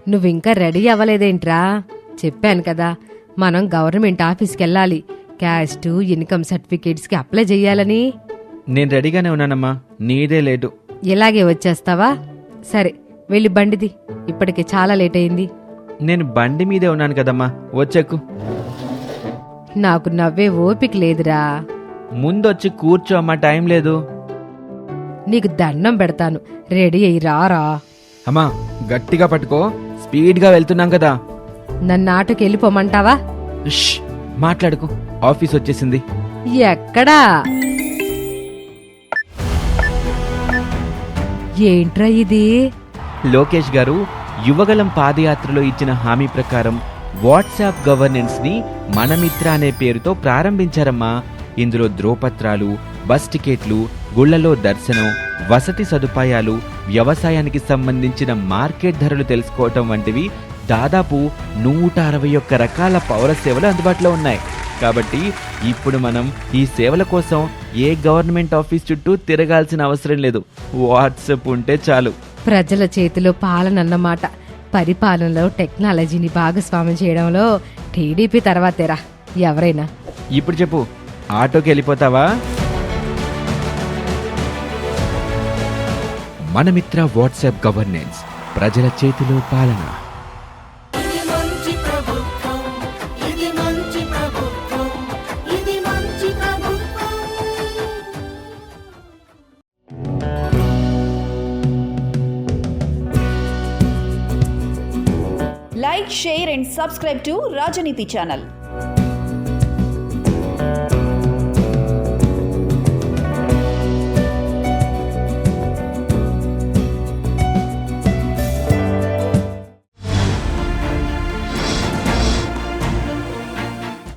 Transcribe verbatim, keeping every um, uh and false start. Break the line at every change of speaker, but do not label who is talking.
నువ్వింకా రెడీ అవ్వలేదేంట్రా? చెప్పాను కదా, మనం గవర్నమెంట్ ఆఫీస్కి వెళ్ళాలి. క్యాస్ట్ ఇన్కమ్ సర్టిఫికేట్స్కి అప్లై చెయ్యాలని.
నేను రెడీగానే ఉన్నానమ్మా, నీదే లేటు.
ఇలాగే వచ్చేస్తావా? సరే వెళ్ళి బండిది, ఇప్పటికే చాలా లేట్ అయింది.
నేను బండి మీదే ఉన్నాను కదమ్మా, వచ్చేకు.
నాకు నవ్వే ఓపిక లేదురా.
ముందొచ్చి కూర్చో అమ్మా, టైం లేదు.
నీకు దండం పెడతాను, రెడీ అయ్యి రారా.
అమ్మా గట్టిగా పట్టుకో, స్పీడ్గా వెళ్తున్నాం కదా.
నన్ను ఆటోకి వెళ్ళిపోమంటావా?
ష్, మాట్లాడుకో, ఆఫీస్ వచ్చేసింది.
ఎక్కడా? ఏంట్రా ఇది?
లోకేష్ గారు యువగలం పాదయాత్రలో ఇచ్చిన హామీ ప్రకారం వాట్సాప్ గవర్నెన్స్ ని మనమిత్ర అనే పేరుతో ప్రారంభించారమ్మా. ఇందులో ధ్రువపత్రాలు, బస్ టికెట్లు, గుళ్లలో దర్శనం, వసతి సదుపాయాలు, వ్యవసాయానికి సంబంధించిన మార్కెట్ ధరలు తెలుసుకోవటం వంటివి దాదాపు నూట అరవై ఒక్క రకాల పౌర సేవలు అందుబాటులో ఉన్నాయి. కాబట్టి ఇప్పుడు మనం ఈ సేవల కోసం ఏ గవర్నమెంట్ ఆఫీస్ చుట్టూ తిరగాల్సిన అవసరం లేదు. వాట్సాప్ ఉంటే చాలు.
ప్రజల చేతిలో పాలనన్నమాట. పరిపాలనలో టెక్నాలజీని భాగస్వామ్యం చేయడంలో టీడీపీ తర్వాతేరా ఎవరైనా.
ఇప్పుడు చెప్పు, ఆటోకి వెళ్ళిపోతావా? మనమిత్ర వాట్సాప్ గవర్నెన్స్, ప్రజల చేతిలో పాలన.
Like, share and subscribe to Rajaniti channel.